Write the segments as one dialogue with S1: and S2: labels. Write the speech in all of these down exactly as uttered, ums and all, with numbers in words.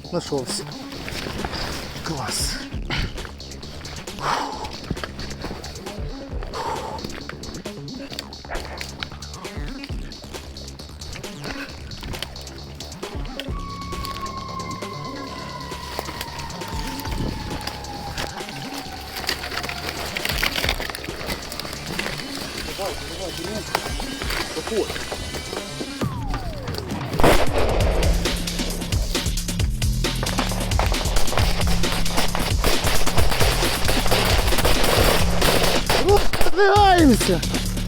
S1: Нашовся. Клас. Давай, давай, давай. Какой? Подвигаемся!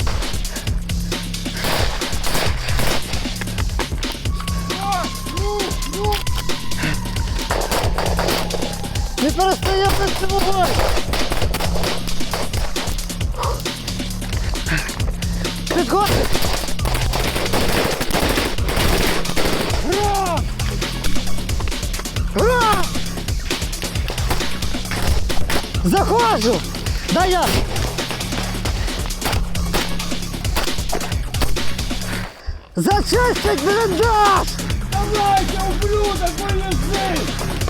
S1: Не перестаем на цьому. Підходь! Ура! Ура! Заходжу! Дай я! Зачистить блиндаж!
S2: Давайте, ублюдок, полежи!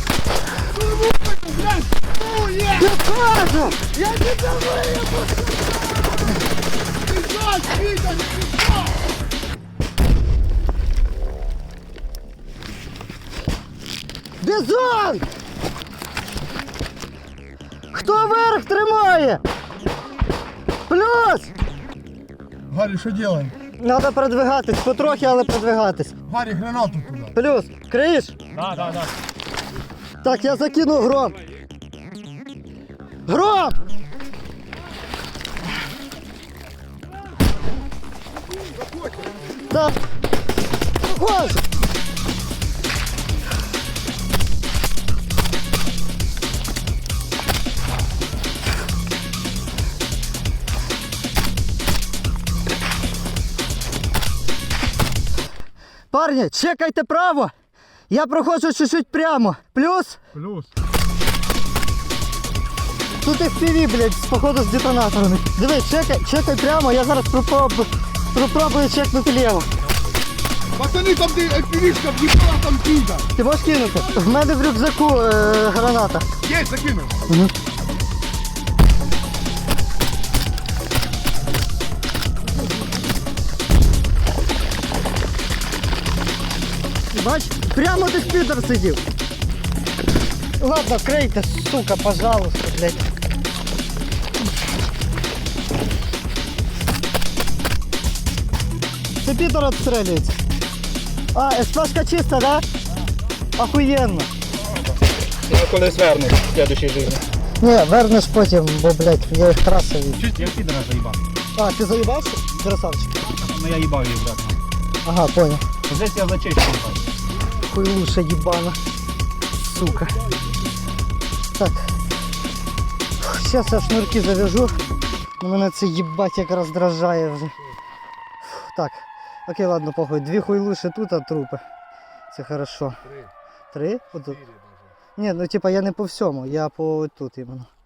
S2: Блядь, ну я!
S1: Підходжу!
S2: Я тебя выебу! Бежать, Витя, не бежать!
S1: Бізон! Хто верх тримає? Плюс!
S2: Гарри, что делаем?
S1: Надо продвигатись, потрохи, але продвигатись.
S2: Гарри, гранату туда.
S1: Плюс, криєш?
S2: Да, да, да.
S1: Так, я закину гром. Гром! Так. Заходжу. Парні, чекайте право. Я проходжу чуть-чуть прямо. Плюс.
S2: Плюс.
S1: Тут еф пі ві, блядь, походу з детонаторами. Дивись, чекай, чекай прямо, я зараз попробую, попробую чекнути ліво.
S2: Пацаны, там ты эфиришка въебала там пизда.
S1: Ти можеш кинути? В мене в рюкзаку е, граната.
S2: Есть, закинул.
S1: Угу. Бач, прямо ти підер сидів. Ладно, крейте, сука, пожалуйста, блядь. Це підер обстрілюється. А, ес-пешка чиста, да? Охуєнно.
S3: Я колись верну в следующей жизни.
S1: Не, вернеш потім, бо, блядь, я їх трасив.
S3: Чуть я підера заїбав.
S1: А, ти заїбався? Красавчик.
S3: Ну я їбав її, брат.
S1: Ага, понял.
S3: Здесь я зачищу.
S1: Хуйлуша ебана. Сука. Так. Сейчас я шнурки завяжу. Но мене це їбать як роздражає вже. Так. Окей, ладно, похуй. Дві хуйлуші тут, а трупи. Це хорошо. Три? Три? Отут. Ні, ну типа я не по всьому, я по тут іменно.